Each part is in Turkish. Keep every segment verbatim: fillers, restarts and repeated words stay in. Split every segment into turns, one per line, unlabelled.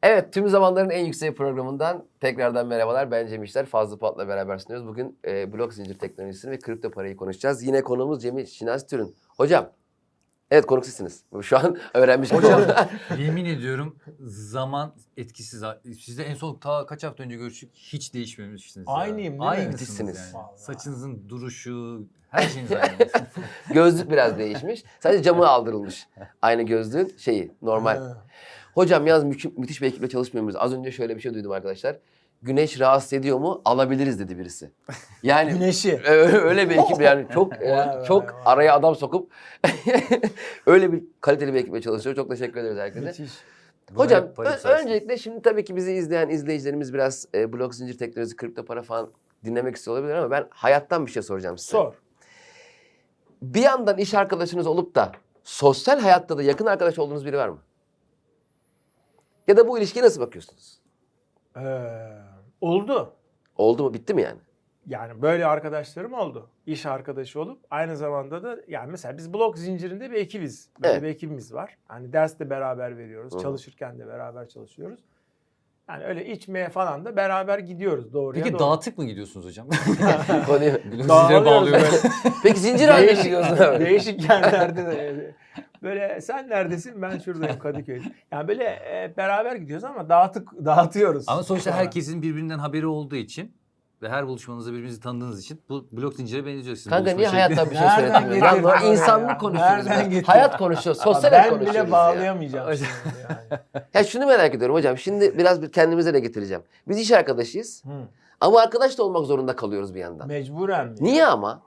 Evet, tüm zamanların en yüksek programından tekrardan merhabalar. Ben Cem İşler, Fazlı Polat'la beraber sunuyoruz. Bugün e, blok zincir teknolojisini ve kripto parayı konuşacağız. Yine konuğumuz Cemil Şinasi Türün. Hocam, evet konuk sizsiniz. Şu an öğrenmiş gibi
Hocam
oldum.
yemin ediyorum zaman etkisiz. Sizle en son ta kaç hafta önce görüştük, hiç değişmemişsiniz.
Aynıyım değil mi?
Aynısınız
Müthişsiniz.
yani.
Vallahi.
Saçınızın duruşu, her şeyiniz aynı.
Gözlük biraz değişmiş. Sadece camı aldırılmış. Aynı gözlüğün şeyi, normal.
Ha.
Hocam yalnız mü- müthiş bir ekiple çalışmıyoruz. Az önce şöyle bir şey duydum arkadaşlar. Güneş rahatsız ediyor mu? Alabiliriz dedi birisi. Yani
Güneşi.
Ö- öyle bir ekip yani çok e,
Vay vay
çok
vay.
araya adam sokup öyle bir kaliteli bir ekiple çalışıyor. Çok teşekkür ederiz herkese.
Müthiş.
Hocam
Parayı- parayı
ö-
sarsın.
öncelikle şimdi tabii ki bizi izleyen izleyicilerimiz biraz e, blok zincir teknolojisi, kripto para falan dinlemek istiyor olabilir ama ben hayattan bir şey soracağım size.
Sor.
Bir yandan iş arkadaşınız olup da sosyal hayatta da yakın arkadaş olduğunuz biri var mı? Ya da bu ilişkiye nasıl bakıyorsunuz?
Ee, oldu.
Oldu mu? Bitti mi yani?
Yani böyle arkadaşlarım oldu. İş arkadaşı olup aynı zamanda da yani mesela biz blok zincirinde bir ekibiz. Böyle
Evet.
bir ekibimiz var. Hani ders de beraber veriyoruz.
Hı hı.
Çalışırken de beraber çalışıyoruz. Yani öyle içmeye falan da beraber gidiyoruz doğruya
Peki
doğru.
dağıtık mı gidiyorsunuz hocam?
Konuyu-
Zincire
Dağılıyoruz
bağlıyoruz.
böyle.
Peki zincir haline
Değişik,
gidiyorsun abi.
değişik yerlerde de böyle sen neredesin ben şuradayım Kadıköy. Yani böyle e, beraber gidiyoruz ama dağıtık dağıtıyoruz.
Ama sonuçta
Sonra.
herkesin birbirinden haberi olduğu için ve her buluşmanızda birbirinizi tanıdığınız için bu blok zincire benziyorsunuz.
Kanka
Buluşma
niye
şekli-
hayattan bir şey
Nereden
söylemiyorsun?
getirdin
Lan
oraya
insanlık
ya?
konuşuyoruz.
Nereden
ya.
getirdin?
Hayat konuşuyoruz, sosyal hayat
Ben
konuşuyoruz
bile
ya.
bağlayamayacağım şimdi yani.
Ya şunu merak ediyorum hocam. Şimdi biraz bir kendimize de getireceğim. Biz iş arkadaşıyız.
Hı.
Ama arkadaş da olmak zorunda kalıyoruz bir yandan.
Mecburen mi?
Niye ama?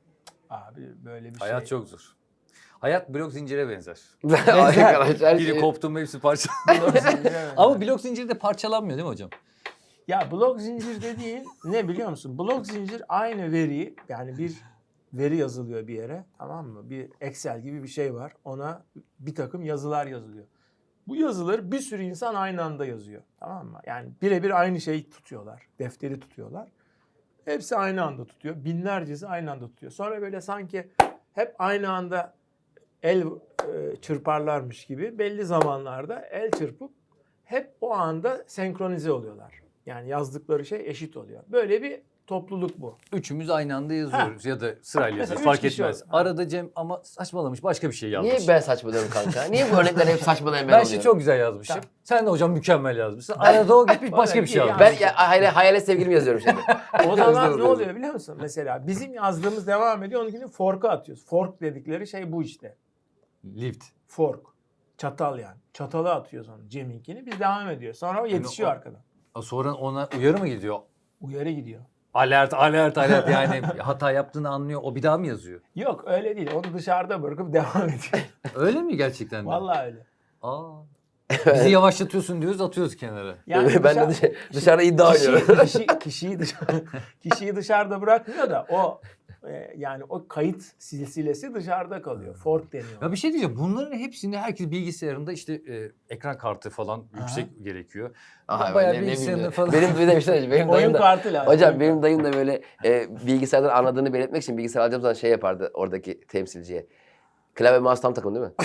Abi böyle bir
Hayat
şey.
çok zor. Hayat blok zincire benzer.
Arkadaş her
Biri
şey...
koptu mu hepsi parça.
Blok zinciri mi?
Ama blok zinciri de parçalanmıyor değil mi hocam?
Ya blok zincir dediğin ne biliyor musun? Blok zincir aynı veriyi yani bir veri yazılıyor bir yere, tamam mı? Bir Excel gibi bir şey var. Ona bir takım yazılar yazılıyor. Bu yazıları bir sürü insan aynı anda yazıyor. Tamam mı? Yani birebir aynı şeyi tutuyorlar. Defteri tutuyorlar. Hepsi aynı anda tutuyor. Binlercesi aynı anda tutuyor. Sonra böyle sanki hep aynı anda el e, çırparlarmış gibi belli zamanlarda el çırpıp hep o anda senkronize oluyorlar. Yani yazdıkları şey eşit oluyor. Böyle bir topluluk bu.
Üçümüz aynı anda yazıyoruz ya da sırayla
Mesela
yazıyoruz.
üç
Fark
kişi
etmez.
oldu. Ha.
Arada Cem ama saçmalamış başka bir şey yazmış.
Niye ben saçmalıyorum kanka? Niye bu örnekler hep saçmalayan ben
Ben
oluyorum?
şimdi çok güzel yazmışım.
Tamam.
Sen de hocam mükemmel yazmışsın. Arada o gitmiş başka bir şey
Yani-
yazmış.
Ben ya, hayale, hayale sevgilimi yazıyorum şimdi.
O zaman
Hızlı
ne
hızlı.
oluyor biliyor musun? Mesela bizim yazdığımız devam ediyor. Onunkini fork'a atıyoruz. Fork dedikleri şey bu işte.
Lift.
Fork. Çatal yani. Çatalı atıyoruz onu Cem'inkini. Biz devam ediyor. Sonra o yetişiyor
o-
arkadan.
Sonra ona uyarı mı gidiyor?
Uyarı gidiyor.
Alert, alert, alert yani hata yaptığını anlıyor. O bir daha mı yazıyor?
Yok öyle değil. Onu dışarıda bırakıp devam ediyor.
Öyle mi gerçekten de?
Vallahi öyle.
Aa. Bizi yavaşlatıyorsun diyoruz, atıyoruz kenara.
ben de
dışarı-
dışarı, dışarıda iddia
kişi,
oynuyorum.
kişi, kişiyi, dışarı, kişiyi dışarıda bırakmıyor da o e, yani o kayıt silsilesi dışarıda kalıyor. Fork deniyor.
Ya bir şey diyeceğim. Bunların hepsinde herkes bilgisayarında işte e, ekran kartı falan
Aha.
yüksek gerekiyor.
Aha,
Bayağı
ben ne
bilgisayarında
bileyim.
falan.
Benim bir de bir şey söyleyeyim. Benim
Oyun
dayım da,
kartı lazım.
hocam
oyun
benim dayım da böyle e, bilgisayardan anladığını belirtmek için bilgisayar alacağım zaman şey yapardı oradaki temsilciye. Klavye mouse tam takım değil mi?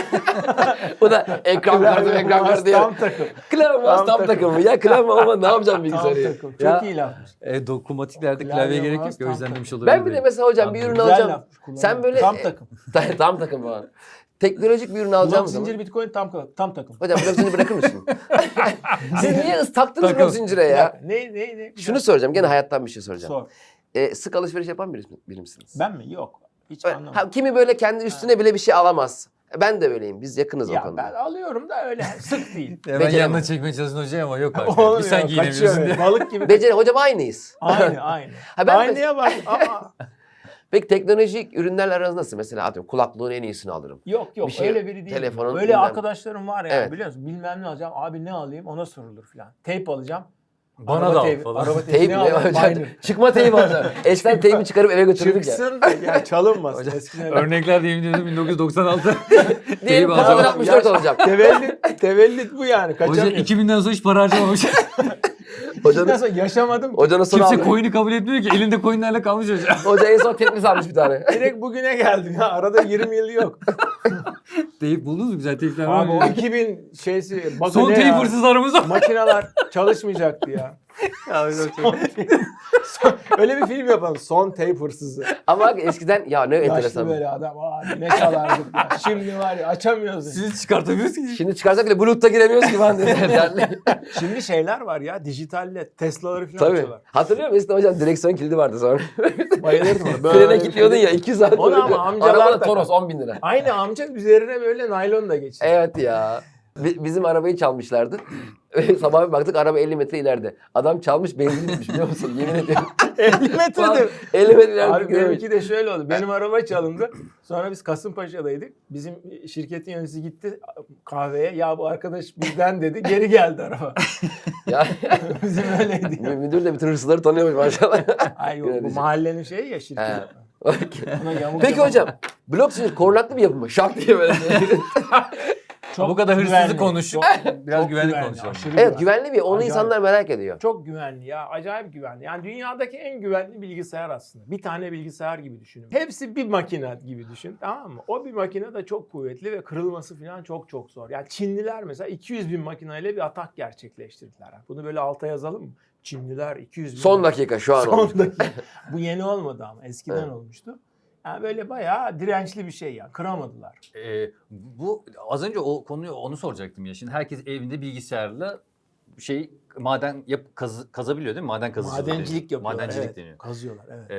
Bu da ekran kartı ekran kartı diyor.
Tam takım.
Klavye mouse tam
Tam
takım mı? Ya klavye ama ne yapacağım
Tam
bilgisayarı? ya?
takım. Çok
Ya-
iyi lafmış.
E, dokunmatiklerde
Klavye
klavyeye gerek
mouse
yok. O
tam
yüzden demiş
takım.
olabilir.
Ben bir de mesela hocam bir ürün
Güzel
alacağım.
lafmış, kullanıyorum.
Sen böyle
Tam
e,
takım.
tam takım falan. Teknolojik bir ürün alacağım
Blok
zaman.
zincir bitcoin tam, tam takım.
Hocam blok zinciri bırakır mısın? Siz niye ıs taktınız
Takım.
blok zincire
Bir
ya?
dakika, Ne ne ne? Bir
Şunu
dakika.
soracağım. Gene hayattan bir şey soracağım.
Sor.
E, sık alışveriş yapan biri, biri misiniz?
Ben mi? Yok. Hiç
Öyle-
anlamadım.
ha, kimi böyle kendi üstüne bile bir şey alamaz. Ben de öyleyim. Biz yakınız o
Ya
konuda.
ben alıyorum da öyle sık değil.
Hemen
Beceremem.
yanına çekmeye çalışın hocam ama yok artık.
Olmuyor,
Bir sen
kaçıyor
giyinemiyorsun
öyle.
diye.
Balık gibi.
Beceri hocam aynıyız.
Aynı aynı.
Ha, ben
Aynıya bak. Aa.
Peki teknolojik ürünlerle aranız nasıl? Mesela atıyorum kulaklığın en iyisini alırım.
Yok yok
Bir şey-
öyle biri değil.
telefonun
Öyle
bilmem-
arkadaşlarım var ya
Evet.
biliyor musun? Bilmem ne alacağım. Abi ne alayım ona sorulur falan. Teyp alacağım.
Bana
Araba
da al
teybi-
falan.
Araba teybi
Teyp
ne
mi?
alayım?
Hocam,
Aynı.
çıkma teybi alacağım. Eskiden teybi çıkarıp eve götürürdük ya.
Çıksın da ya çalınmaz.
Hocam,
Eskiden öyle.
Örnekler de yemin ediyorum bin dokuz yüz doksan altı.
Diyelim
Teybi
kafadan
alacağım.
altmış dört alacağım.
Tevellit, tevellit bu yani.
Hoca
Kaçamıyor.
iki binden sonra hiç para harcamamış.
Hocanın...
Hocanın,
sonra yaşamadım. ki.
hocanın sonra
Kimse
aldı.
coin'i kabul etmiyor ki. Elinde coin'lerle kalmış hoca.
Hoca en son Tetris almış bir tane.
Direkt bugüne geldim ya. Arada yirmi yıl yok.
Teyip buldunuz mu? Güzel teyipler
Abi o
var.
iki bin şeysi bakın
Son
ne
teyip
ya?
hırsızlarımız var.
Makineler çalışmayacaktı ya. Son tape- Son- Öyle bir film yapalım. Son tape hırsızı.
Ama bak eskiden ya ne
Yaşlı
enteresan.
böyle adam. Abi ne çalardık ya. Şimdi var ya açamıyoruz.
Siz çıkartamıyorsunuz ki.
Şimdi çıkarsak bile Bluetooth'a giremiyoruz ki ben de.
Şimdi şeyler var ya. Dijitalle Tesla'ları falan
Tabii.
açıyorlar.
Hatırlıyor musun eskiden hocam direksiyon kilidi vardı sonra.
Bayılırdım ona.
Frene
Böyle
gidiyordun
bir-
ya iki saat.
Onu ama
boyunca.
amcalar
Arabada
takar.
Toros on bin lira.
Aynı amca üzerine böyle naylon da geçiyor.
Evet ya. Bi- Bizim arabayı çalmışlardı. Sabah bir baktık araba elli metre ileride. Adam çalmış benzin bitmiş biliyor musun? Yemin ediyorum.
elli metredir.
elli metre ileride
Abi
gidememiş.
benimki de şöyle oldu. Benim araba çalındı. Sonra biz Kasımpaşa'daydık. Bizim şirketin yöneticisi gitti kahveye. Ya bu arkadaş bizden dedi. Geri geldi araba.
Ya,
Bizim öyleydi.
mü- müdür de bütün hırsızları tanıyormuş maşallah.
Ay yok bu
Yönetici.
mahallenin şeyi ya şirket.
He. Okey.
Ona yamuk
Peki
yamuk-
hocam blok zincir korunaklı bir yapı mı? Şak diye böyle.
Çok
Bu kadar hırsızı
güvenli.
konuştuk.
Çok-
Biraz
çok
güvenli
güvenli,
konuşalım.
aşırı
Evet
güvenli.
güvenli bir onu
Acayip.
insanlar merak ediyor.
Çok güvenli ya. Acayip güvenli. Yani dünyadaki en güvenli bilgisayar aslında. Bir tane bilgisayar gibi düşünün. Hepsi bir makine gibi düşün. Tamam mı? O bir makine de çok kuvvetli ve kırılması falan çok çok zor. Yani Çinliler mesela iki yüz bin makineyle bir atak gerçekleştirdiler. Bunu böyle alta yazalım mı? Çinliler iki yüz bin.
Son dakika şu an olmuş.
Son dakika. Bu yeni olmadı ama eskiden
Evet.
olmuştu. Yani böyle bayağı dirençli bir şey ya. Kıramadılar.
Ee, bu az önce o konuyu onu soracaktım ya. Şimdi herkes evinde bilgisayarla şey maden yap kaz, kazabiliyor değil mi? Maden kazıcılığı.
Madencilik
deniyor.
yapıyorlar.
Madencilik
evet.
deniyor.
Kazıyorlar evet.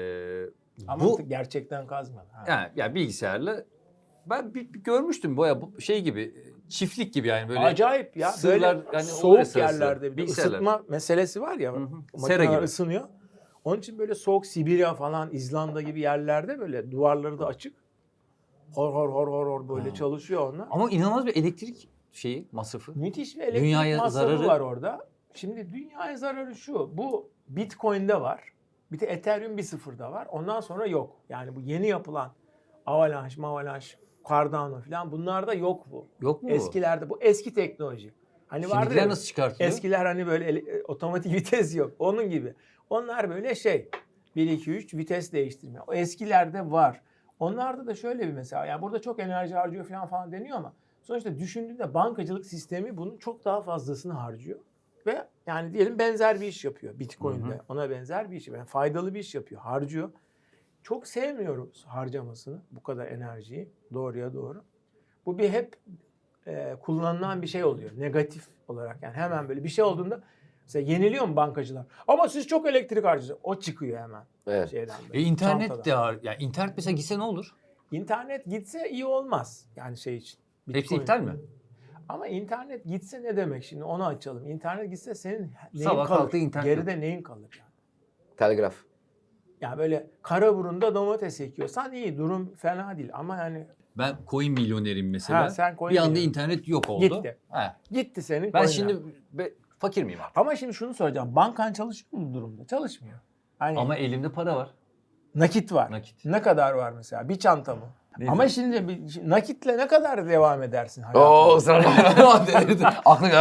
Ee,
Ama
bu
gerçekten kazmıyorlar. Ha.
yani, yani bilgisayarla ben bir, bir görmüştüm baya bu şey gibi çiftlik gibi yani böyle.
Acayip ya.
sırlar,
Böyle
yani olur ya
soğuk
sırası.
yerlerde bir de
Bilgisayarlar.
ısıtma meselesi var ya.
Hı hı. Sera
Makineler
gibi.
ısınıyor. Onun için böyle soğuk Sibirya falan, İzlanda gibi yerlerde böyle duvarları da açık. Hor hor hor hor hor böyle
Ha.
çalışıyor onlar.
Ama inanılmaz bir elektrik şeyi masrafı.
Müthiş bir elektrik
Dünyaya
masrafı
zararı-
var orada. Şimdi dünyaya zararı şu. Bu Bitcoin'de var. Bir de Ethereum bir sıfırda var. Ondan sonra yok. Yani bu yeni yapılan Avalanche, Avalanche, Cardano falan bunlarda yok bu.
Yok mu bu?
Eskilerde bu eski teknoloji. Hani vardır
Şimdikiler
ya,
nasıl çıkartılıyor?
eskiler hani böyle ele- e, otomatik vites yok. Onun gibi. Onlar böyle şey bir iki üç vites değiştirme. O eskilerde var. Onlarda da şöyle bir mesela yani burada çok enerji harcıyor falan falan deniyor ama sonuçta düşündüğünde bankacılık sistemi bunun çok daha fazlasını harcıyor. Ve yani diyelim benzer bir iş yapıyor Bitcoin'de.
Hı hı.
Ona benzer bir iş yapıyor. Yani faydalı bir iş yapıyor. Harcıyor. Çok sevmiyoruz harcamasını. Bu kadar enerjiyi. Doğruya doğru. Bu bir hep e, kullanılan bir şey oluyor. Negatif olarak. Yani hemen böyle bir şey olduğunda mesela yeniliyor mu bankacılar? Ama siz çok elektrik harcıyorsunuz. O çıkıyor hemen.
Evet.
Şeyden böyle,
E internet
çantadan.
de var. Yani internet mesela gitse ne olur?
İnternet gitse iyi olmaz. Yani şey için.
Hepsi
Bitcoin.
iptal mi?
Ama internet gitse ne demek şimdi onu açalım. İnternet gitse senin neyin
Sabah
kalır?
kalktı internet
Geride neyin kalır yani?
Telgraf.
Yani böyle Karaburun'da domates ekiyorsan iyi durum fena değil ama yani
Ben coin milyonerim mesela.
Ha, sen coin
bir anda
milyoner.
internet yok oldu.
Gitti.
Ha.
gitti senin
Ben
coin'ler.
şimdi be- fakir miyim artık?
Ama şimdi şunu soracağım. Bankan çalışıyor mu bu durumda? Çalışmıyor. Hani
Ama elimde para var.
nakit var.
Nakit.
Ne kadar var mesela? Bir çanta mı?
Neyse.
Ama şimdi bir, şimdi nakitle ne kadar devam edersin hayatına?
Oo ısrarla delirdi. Aklını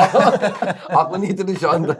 aklını yitirdin şu anda.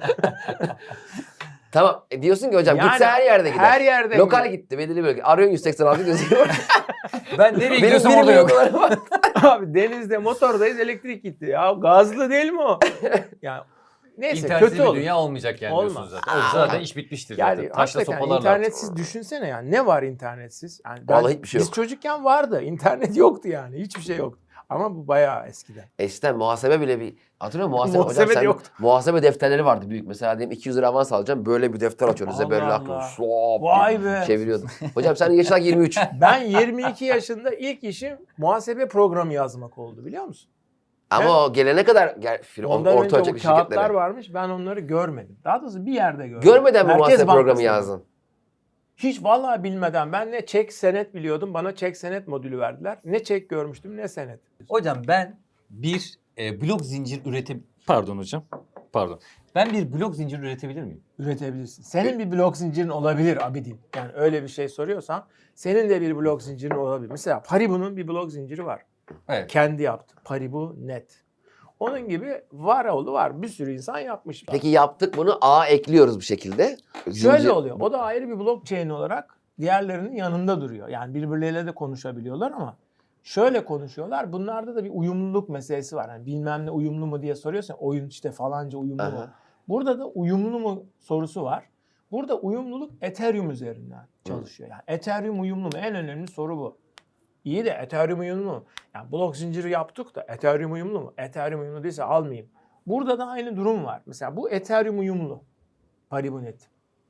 Tamam. E diyorsun ki hocam
Yani
gitse her yerde gider.
her yerde
Lokal
gider.
gitti belirli bölge. Arıyorsun yüz seksen altı gözüküyor.
Ben nereye
Benim
gidiyorsam
bir
orada yok.
milyon dolarım var.
Abi denizde motordayız elektrik gitti. Ya gazlı değil mi o? Yani neyse
İnternetsiz
kötü
bir
olur.
dünya olmayacak yani
Olmaz.
diyorsunuz zaten. O zaten iş bitmiştir
Yani
zaten. Taşla
hakikaten
sopalarla.
internetsiz düşünsene yani. Ne var internetsiz? Yani ben-
Vallahi hiçbir şey
Biz
yok.
çocukken vardı. İnternet yoktu yani. Hiçbir şey yoktu. Ama bu bayağı eskiden.
Eskiden muhasebe bile bir hatırlıyor musun? Muhasebe,
Muhasebe
hocam
de
sen
yoktu.
muhasebe defterleri vardı büyük. Mesela diyelim iki yüz lira avans alacağım. Böyle bir defter açıyoruz.
Allah
Böyle
Allah.
aklım. Şlop
Vay
diye
be.
çeviriyordum. Hocam senin yaşın yirmi üç.
Ben yirmi iki yaşında ilk işim muhasebe programı yazmak oldu biliyor musun?
Ama
Evet.
o gelene kadar gel, film,
Ondan
orta
önce o
ölçekli
kağıtlar
şirketlere.
varmış. Ben onları görmedim. Daha doğrusu bir yerde gördüm.
Görmeden mi
Merkez
muhasebe programı
Bankası'nda.
yazdın?
Hiç vallahi bilmeden ben ne çek senet biliyordum. Bana çek senet modülü verdiler. Ne çek görmüştüm ne senet.
Hocam ben bir e, blok zincir ürete... Pardon hocam. Pardon. Ben bir blok zincir üretebilir miyim?
Üretebilirsin. Senin bir blok zincirin olabilir Abidin. Yani öyle bir şey soruyorsan senin de bir blok zincirin olabilir. Mesela Paribu'nun bir blok zinciri var.
Evet.
Kendi yaptı. Paribu net. Onun gibi var oğlu var. Bir sürü insan yapmış.
Peki yaptık bunu A ekliyoruz bir şekilde.
Şöyle
Zincir-
oluyor. O da ayrı bir blockchain olarak diğerlerinin yanında duruyor. Yani birbirleriyle de konuşabiliyorlar ama Şöyle konuşuyorlar. Bunlarda da bir uyumluluk meselesi var. Yani bilmem ne uyumlu mu diye soruyorsan oyun işte falanca uyumlu mu?
Aha.
Burada da uyumlu mu sorusu var. Burada uyumluluk Ethereum üzerinden çalışıyor. Yani Ethereum uyumlu mu? En önemli soru bu. İyi de Ethereum uyumlu mu? Yani blok zinciri yaptık da Ethereum uyumlu mu? Ethereum uyumlu değilse almayayım. Burada da aynı durum var. Mesela bu Ethereum uyumlu. Paribunet.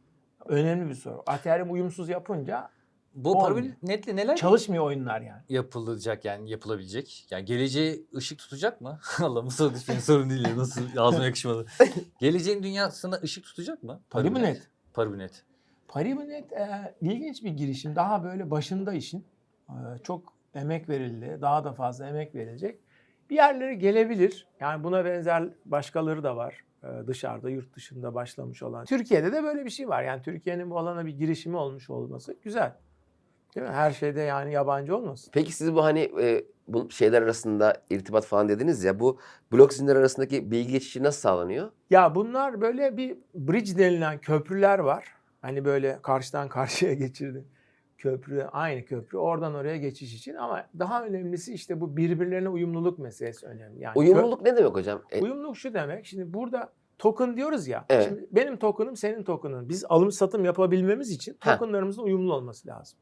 Önemli bir soru. Ethereum uyumsuz yapınca
Bu
olmuyor.
Paribunetle neler
Çalışmıyor oyunlar yani.
yapılacak yani yapılabilecek? Yani geleceği ışık tutacak mı? Allah bu soru benim sorun değil ya. Nasıl ağzıma yakışmadı. Geleceğin dünyasına ışık tutacak mı?
Paribunet.
Paribunet.
Paribunet e, ilginç bir girişim. Daha böyle başında işin. E, çok emek verildi. Daha da fazla emek verilecek. Bir yerlere gelebilir. Yani buna benzer başkaları da var. E, dışarıda, yurt dışında başlamış olan. Türkiye'de de böyle bir şey var. Yani Türkiye'nin bu alana bir girişimi olmuş olması güzel. Değil mi? Her şeyde yani yabancı olmasın.
Peki siz bu hani e, bu şeyler arasında irtibat falan dediniz ya, bu blok zincirler arasındaki bilgi geçişi nasıl sağlanıyor?
Ya bunlar böyle bir bridge denilen köprüler var. Hani böyle karşıdan karşıya geçirdi. Köprü, aynı köprü. Oradan oraya geçiş için ama daha önemlisi işte bu birbirlerine uyumluluk meselesi önemli. Yani
Uyumluluk ne demek hocam? E,
kö- uyumluluk şu demek. Şimdi burada token diyoruz ya.
Evet.
Şimdi benim token'ım senin token'ın. Biz alım satım yapabilmemiz için
Heh.
token'larımızın uyumlu olması lazım.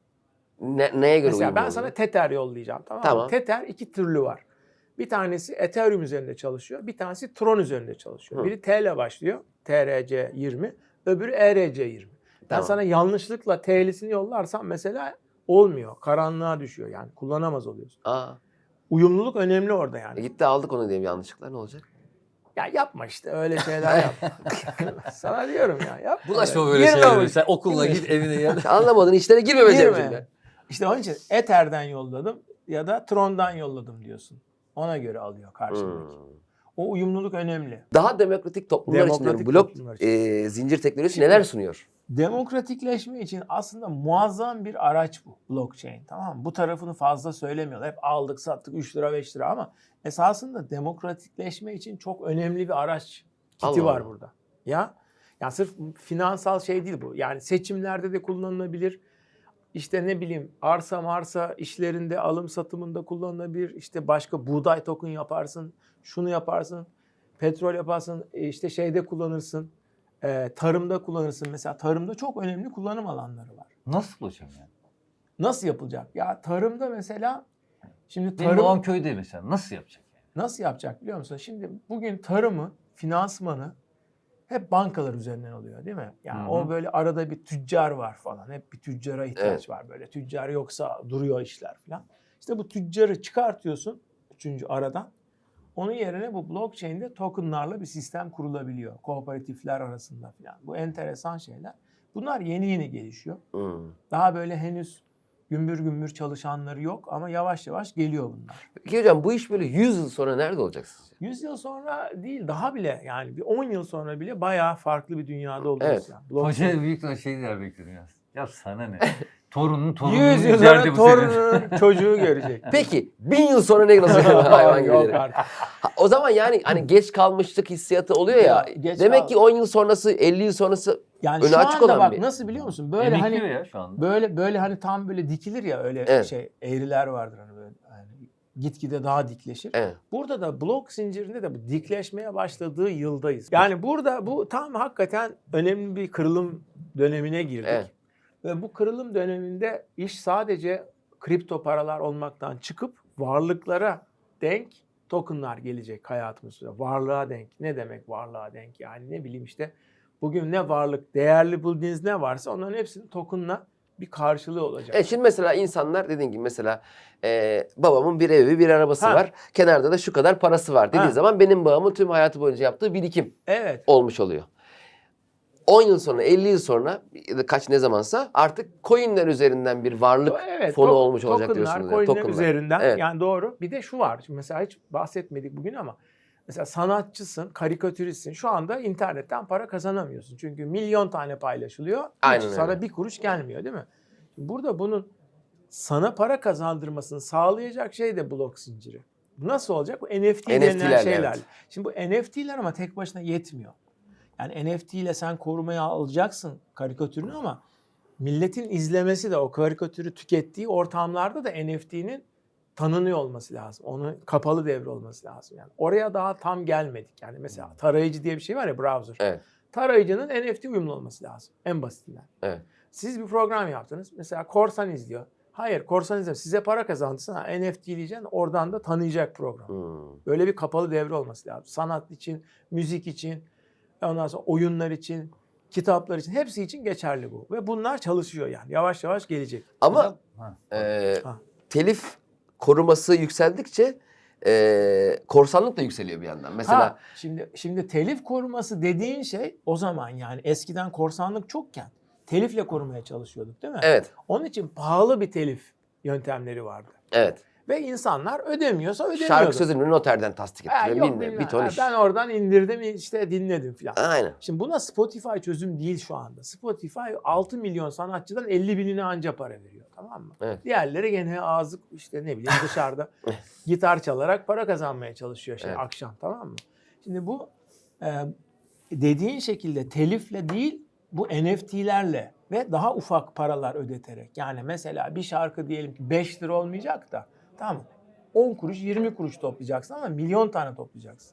ne, neye göre
Mesela
uyumlu
ben
oluyor?
sana Tether yollayacağım, tamam mı?
Tamam.
Tether iki türlü var. Bir tanesi Ethereum üzerinde çalışıyor. Bir tanesi Tron üzerinde çalışıyor.
Hı.
Biri T ile başlıyor. T R C yirmi. Öbürü E R C yirmi. Ben
Tamam.
sana yanlışlıkla T'lisini yollarsam mesela olmuyor. Karanlığa düşüyor yani. Kullanamaz oluyorsun.
Aa,
Uyumluluk önemli orada
e
yani.
gitti aldık onu diyeyim yanlışlıkla, ne olacak?
Ya yapma işte öyle şeyler yapma. Sana diyorum ya yapma.
Bulaşma böyle
Girme
şeylere.
bu-
Sen okulla
Girme.
git evine gel.
Anlamadın, işlere girmemeyeceğim
Girme.
şimdi.
İşte onun için Ether'den yolladım ya da Tron'dan yolladım diyorsun. Ona göre alıyor karşındaki.
Hmm.
O uyumluluk önemli.
Daha demokratik toplumlar için
Demokratik
diyorum, blok
toplumlar için.
e, zincir teknolojisi
Şimdi-
neler sunuyor?
Demokratikleşme için aslında muazzam bir araç bu blockchain, tamam mı? Bu tarafını fazla söylemiyorlar. Hep aldık sattık üç lira beş lira ama esasında demokratikleşme için çok önemli bir araç kiti
Allah
var
Allah.
burada. Ya ya sırf finansal şey değil bu. Yani seçimlerde de kullanılabilir. İşte ne bileyim arsa marsa işlerinde alım satımında kullanılabilir. İşte başka buğday token yaparsın, şunu yaparsın, petrol yaparsın, e, işte şeyde kullanırsın. Ee, tarımda kullanırsın. Mesela tarımda çok önemli kullanım alanları var.
Nasıl hocam yani?
Nasıl yapılacak? Ya tarımda mesela şimdi
Benim
tarım
babam köyde mesela nasıl yapacak yani?
nasıl yapacak biliyor musun? Şimdi bugün tarımı, finansmanı hep bankalar üzerinden oluyor değil mi? Yani
Hı hı.
o böyle arada bir tüccar var falan. Hep bir tüccara ihtiyaç
Evet.
var böyle. Tüccar yoksa duruyor işler falan. İşte bu tüccarı çıkartıyorsun üçüncü aradan. Onun yerine bu blockchain'de tokenlarla bir sistem kurulabiliyor. Kooperatifler arasında falan. Bu enteresan şeyler. Bunlar yeni yeni gelişiyor.
Hmm.
Daha böyle henüz gümbür gümbür çalışanları yok ama yavaş yavaş geliyor bunlar.
Peki hocam, bu iş böyle yüz yıl sonra nerede olacak sizce?
yüz yıl sonra değil daha bile yani bir on yıl sonra bile bayağı farklı bir dünyada olacağız.
Evet.
Yani. Blockchain-
Hoca büyük ihtimalle şey der bekliyorum ya. Ya sana ne? Torunun torunun
yüz yıl
üzerinde
sonra
bu senin.
torunun çocuğu görecek.
Peki bin yıl sonra ne nasıl hayvan
Yok
gibi?
artık.
Ha, o zaman yani hani geç kalmışlık hissiyatı oluyor ya.
Ya, geç
Demek
kal-
ki on yıl sonrası, elli yıl sonrası
Yani
önü
şu
açık
anda
olan
bak
bir-
nasıl biliyor musun? Böyle
Emekliyor
hani
ya şu anda.
böyle böyle hani tam böyle dikilir ya öyle
Evet.
şey eğriler vardır hani böyle yani gitgide daha dikleşir.
Evet.
Burada da blok zincirinde de bu dikleşmeye başladığı yıldayız. Yani burada bu tam hakikaten önemli bir kırılım dönemine girdik.
Evet.
Ve bu kırılım döneminde iş sadece kripto paralar olmaktan çıkıp varlıklara denk tokenlar gelecek hayatımızda. Varlığa denk. Ne demek varlığa denk? Yani ne bileyim işte bugün ne varlık, değerli bulduğunuz ne varsa onların hepsinin tokenla bir karşılığı olacak.
E şimdi mesela insanlar dediğin gibi mesela e, babamın bir evi, bir arabası
Ha.
var. Kenarda da şu kadar parası var dediği
Ha.
zaman benim babamın tüm hayatı boyunca yaptığı birikim
Evet.
olmuş oluyor. on yıl sonra, elli yıl sonra ya da kaç ne zamansa artık coinler üzerinden bir varlık
Evet,
fonu
to-
olmuş olacak
tokenlar,
diyorsunuz. yani,
coinler
tokenlar.
üzerinden
Evet.
yani doğru. Bir de şu var. Şimdi mesela hiç bahsetmedik bugün ama mesela sanatçısın, karikatüristsin. Şu anda internetten para kazanamıyorsun. Çünkü milyon tane paylaşılıyor. Hiç
Aynen öyle.
sana bir kuruş gelmiyor değil mi? Şimdi burada bunun sana para kazandırmasını sağlayacak şey de blok zinciri. Bu nasıl olacak? Bu N F T
N F T'lerle,
denilen şeyler.
evet.
Şimdi bu N F T'ler ama tek başına yetmiyor. Yani N F T ile sen korumaya alacaksın karikatürünü ama milletin izlemesi de o karikatürü tükettiği ortamlarda da N F T'nin tanınıyor olması lazım. Onun kapalı devre olması lazım. Yani oraya daha tam gelmedik. Yani mesela tarayıcı diye bir şey var ya, browser.
Evet.
Tarayıcının N F T uyumlu olması lazım. En basitinden.
Evet.
Siz bir program yaptınız. Mesela korsan izliyor. Hayır, korsan izlemiyor. Size para kazandırsın. Ha, N F T diyeceksin. Oradan da tanıyacak program.
Hmm.
Böyle bir kapalı devre olması lazım. Sanat için, müzik için, ondan sonra oyunlar için, kitaplar için, hepsi için geçerli bu. Ve bunlar çalışıyor yani. Yavaş yavaş gelecek.
Ama
Ha.
e,
Ha.
telif koruması yükseldikçe e, korsanlık da yükseliyor bir yandan. Mesela
Ha, şimdi şimdi telif koruması dediğin şey o zaman, yani eskiden korsanlık çokken telifle korumaya çalışıyorduk değil mi?
evet,
Onun için pahalı bir telif yöntemleri vardı.
evet.
Ve insanlar ödemiyorsa ödemiyordu.
Şarkı sözünü noterden tasdik
Ha,
ettiriyor.
yok,
Bilmem,
bilmem.
bir ton
Ha,
iş.
ben oradan indirdim işte dinledim filan.
Aynen.
Şimdi buna Spotify çözüm değil şu anda. Spotify altı milyon sanatçıdan elli binine anca para veriyor, tamam mı?
Evet.
Diğerleri gene ağzı işte ne bileyim dışarıda gitar çalarak para kazanmaya çalışıyor şey
Evet.
akşam, tamam mı? Şimdi bu e, dediğin şekilde telifle değil, bu N F T'lerle ve daha ufak paralar ödeterek. Yani mesela bir şarkı diyelim ki beş lira olmayacak da, tamam mı? on kuruş yirmi kuruş toplayacaksın ama milyon tane toplayacaksın.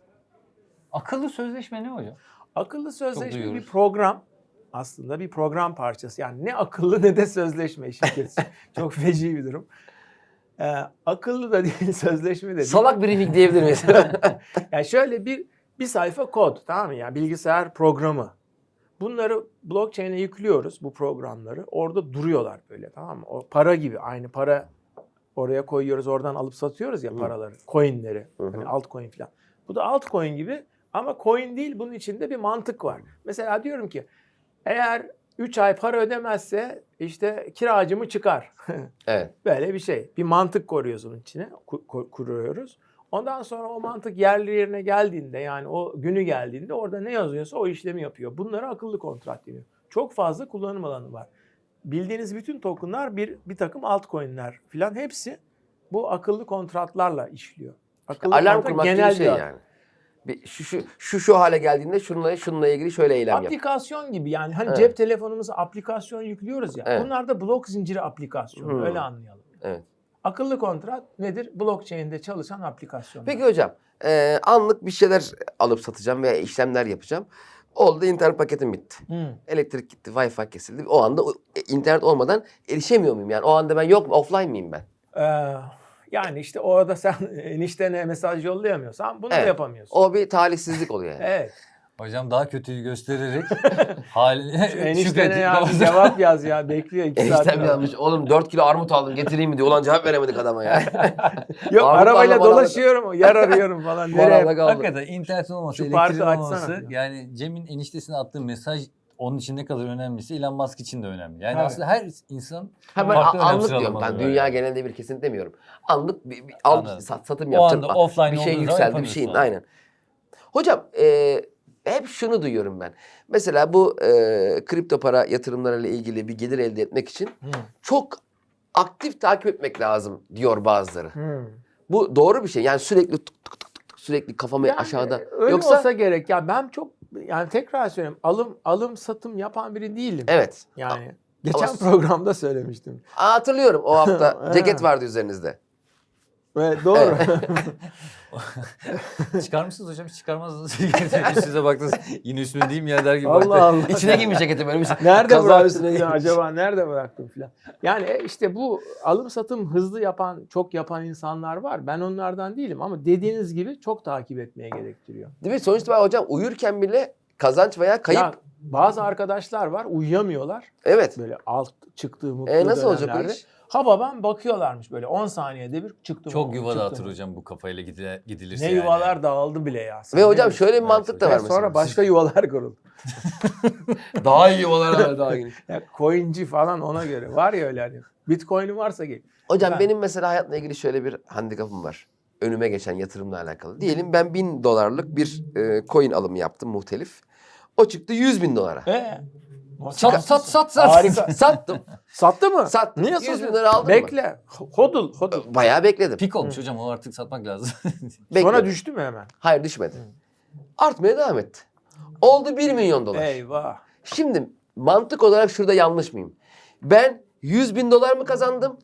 Akıllı sözleşme ne hocam?
Akıllı sözleşme bir
duyuyoruz.
program. Aslında bir program parçası. Yani ne akıllı ne de sözleşme şirketi. Çok feci bir durum. Ee, akıllı da değil, sözleşme de değil.
Salak briefing diyebilir miyiz?
Yani şöyle bir bir sayfa kod, tamam mı? Yani bilgisayar programı. Bunları blockchain'e yüklüyoruz, bu programları. Orada duruyorlar böyle, tamam mı? O para gibi, aynı para oraya koyuyoruz, oradan alıp satıyoruz ya paraları, coinleri,
Hı hı.
hani altcoin falan. Bu da altcoin gibi ama coin değil, bunun içinde bir mantık var. Mesela diyorum ki eğer üç ay para ödemezse işte kiracımı çıkar.
evet.
Böyle bir şey. Bir mantık koyuyoruz onun içine, ku- ku- kuruyoruz. Ondan sonra o mantık yerli yerine geldiğinde, yani o günü geldiğinde orada ne yazıyorsa o işlemi yapıyor. Bunlara akıllı kontrat deniyor. Çok fazla kullanım alanı var. Bildiğiniz bütün tokenlar bir bir takım altcoin'ler filan, hepsi bu akıllı kontratlarla işliyor. Akıllı
Alarm
kontrat
kurmak gibi
genel
şey
bir
yani. Bir, şu, şu, şu şu hale geldiğinde şununla şununla ilgili şöyle eylem yap.
aplikasyon gibi, yani hani
Evet.
cep telefonumuza aplikasyon yüklüyoruz ya.
Evet.
Bunlar da blok zinciri aplikasyonu.
Hmm.
Öyle anlayalım.
Evet.
Akıllı kontrat nedir? Blockchain'de çalışan aplikasyonlar.
Peki hocam, e, anlık bir şeyler alıp satacağım veya işlemler yapacağım. Oldu, internet paketim bitti.
Hmm.
Elektrik gitti, Wi-Fi kesildi. O anda o, e, internet olmadan erişemiyor muyum yani? O anda ben yok mu, offline miyim ben?
Ee, yani işte orada sen eniştene mesaj yollayamıyorsan bunu da
Evet.
yapamıyorsun.
O bir talihsizlik oluyor yani.
Evet.
Hocam daha kötüyü göstererek haline
Şu eniştene
şükredin.
ya bir cevap yaz ya, bekliyor iki saat.
Eniştem yazmış, oğlum dört kilo armut aldım getireyim mi diyor. Ulan cevap veremedik adama ya.
Yok,
Armutlarla
arabayla
bana-
dolaşıyorum, yer arıyorum falan.
Bana
Nereye?
da kaldı.
Hakikaten internetin olması,
Şu parkı
elektriğin
açsana
olması,
falan.
yani Cem'in eniştesine attığı mesaj onun için ne kadar önemliyse Elon Musk için de önemli. Yani
Tabii.
aslında her insan
Ha ben
farklı
a-
önem
anlık diyorum.
sıralamaları
Ben
var
dünya
yani.
genelinde bir kesin demiyorum. Anlık bir, bir al,
Anladım.
sat, satım
O
yapacağım.
anda offline
bir şey
olduğu zaman
yükseldi, bir
yapamıyorsun
şeyin
abi.
aynen. Hocam e, hep şunu duyuyorum ben. Mesela bu e, kripto para yatırımlarıyla ilgili bir gelir elde etmek için
Hmm.
çok aktif takip etmek lazım diyor bazıları.
Hmm.
Bu doğru bir şey. Yani sürekli tık tık tık tık tık sürekli kafamı
Yani
aşağıda.
öyle
Yoksa
olsa gerek. Ya ben çok, yani tekrar söyleyeyim, alım alım satım yapan biri değilim.
evet.
Yani geçen
Ama-
programda söylemiştim.
Aa, hatırlıyorum o hafta
Evet.
ceket vardı üzerinizde.
Evet, doğru.
Çıkar mısınız hocam? Hiç çıkarmazsınız. Size baktınız yine üstüne değil mi ya der gibi.
Allah Allah.
İçine giymiş ceketi böyle bir
Nerede
kaza
bıraktım
üstüne
ya,
giymiş.
acaba nerede bıraktım filan. Yani e, işte bu alım satım hızlı yapan, çok yapan insanlar var. Ben onlardan değilim ama dediğiniz gibi çok takip etmeye gerektiriyor.
Değil mi? Sonuçta ben hocam uyurken bile kazanç veya kayıp.
Ya, bazı arkadaşlar var, uyuyamıyorlar.
Evet.
Böyle alt çıktığı mutlu
E nasıl olacak o
dönemlerde.
iş?
Ha babam bakıyorlarmış böyle on saniyede bir çıktı mı?
Çok yuva
çıktı
dağıtır
mı?
hocam bu kafayla gidile, gidilirse
Ne
yani.
yuvalar dağıldı bile ya. Sen
Ve
ne
hocam
diyorsun?
şöyle bir
Evet
mantık da
Ve
var mesela.
sonra başka yuvalar kuruldu.
Daha iyi yuvalar var daha geniş.
Ya coinci falan ona göre. Var ya öyle hani. Bitcoin'in varsa gel.
Hocam
Ha.
benim mesela hayatla ilgili şöyle bir handikapım var. Önüme geçen yatırımla alakalı. Diyelim ben bin dolarlık bir e, coin alımı yaptım muhtelif. O çıktı yüz bin dolara.
Ee?
Sat sat sat sat.
Harika.
Sattım.
Sattı mı?
Sattım.
Niye
yüz bin
satıyorsun?
lira aldım mı?
Bekle. Hodl, hodl.
Bayağı bekledim.
Pik olmuş hocam o artık satmak lazım.
Bekledim.
Sonra düştü mü hemen?
Hayır düşmedi. Artmaya devam etti. Oldu bir milyon dolar.
Eyvah.
Şimdi mantık olarak şurada yanlış mıyım? Ben yüz bin dolar mı kazandım?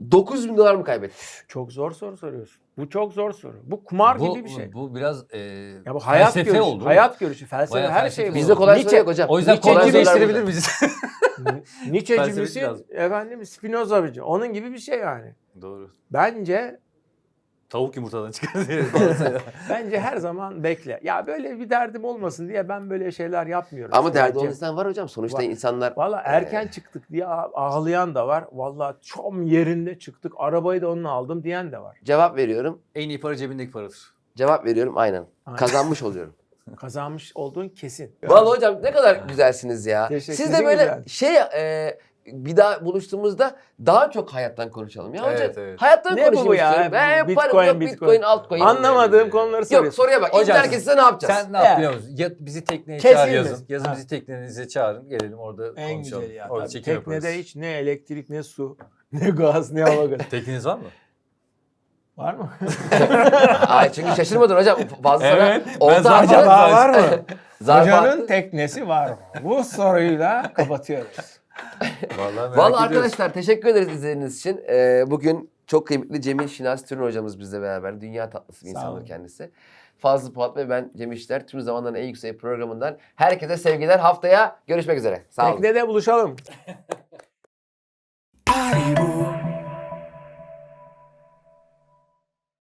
dokuz bin dolar mı kaybettin?
Çok zor soru soruyorsun. Bu çok zor soru. Bu kumar
bu,
gibi bir şey.
Bu biraz e,
Ya bu hayat
felsefe
görüşü,
oldu.
hayat görüşü, felsefe,
Bayağı
her
felsefe
şey
oldu.
bu.
Bizde kolay
Nietzsche-
soru yok hocam.
O yüzden
Nietzsche
kolay
gibi
değiştirebilir
sorular
miyiz?
Nietzsche'ci
Felsefe
misin?
lazım.
Efendim Spinoza mıcı? Onun gibi bir şey yani.
Doğru.
Bence
Tavuk yumurtadan çıkar.
bence her zaman bekle. Ya böyle bir derdim olmasın diye ben böyle şeyler yapmıyorum.
Ama derdi olan
Bence.
insan var hocam. Sonuçta
Var.
insanlar...
Valla erken çıktık diye ağ- ağlayan da var. Valla çom yerinde çıktık. Arabayı da onunla aldım diyen de var.
Cevap veriyorum.
En iyi para cebindeki paradır.
Cevap veriyorum aynen.
Aynen.
Kazanmış oluyorum.
Kazanmış olduğun kesin.
Vallahi hocam ne kadar güzelsiniz ya.
Teşekkür
Siz de
ederim.
böyle
Güzel.
şey e, bir daha buluştuğumuzda daha çok hayattan konuşalım ya hocam.
Evet, evet.
Hayattan
Ne bu
konuşmak
ya?
istiyorum. Ben
Bitcoin,
yaparım yok
Bitcoin.
Bitcoin, altcoin.
Anlamadığım konuları
Yok
soruyorsun.
soruya bak.
Hocam,
İnternet size ne yapacağız?
Sen ne
Evet.
yap biliyor musun? Ya bizi tekneye
Kesin
çağır
mi?
yazın. Yazın
Ha.
bizi teknenize çağırın. Gelelim orada
En
konuşalım.
güzel ya.
Orada
Tabii.
çekim
Teknede
yaparız.
hiç ne elektrik ne su ne gaz ne hava gazı.
Tekneniz var mı?
Var mı?
Ay çünkü şaşırmadın hocam. Fazla
Evet,
sana
ben
olta
zaten-
atma.
Acaba var mı?
Zarf
Hocanın
attı.
teknesi var mı? Bu soruyla kapatıyoruz.
Vallahi merak
Vallahi
ediyoruz.
arkadaşlar teşekkür ederiz izlediğiniz için. Ee, bugün çok kıymetli Cemil Şinas Türün hocamız bizle beraber. Dünya tatlısı bir
Sağ
insandır
olun.
kendisi. Fazlı Polat ve ben Cem İşler. Tüm zamanların en yüksek programından herkese sevgiler. Haftaya görüşmek üzere. Sağ olun.
Teknede buluşalım.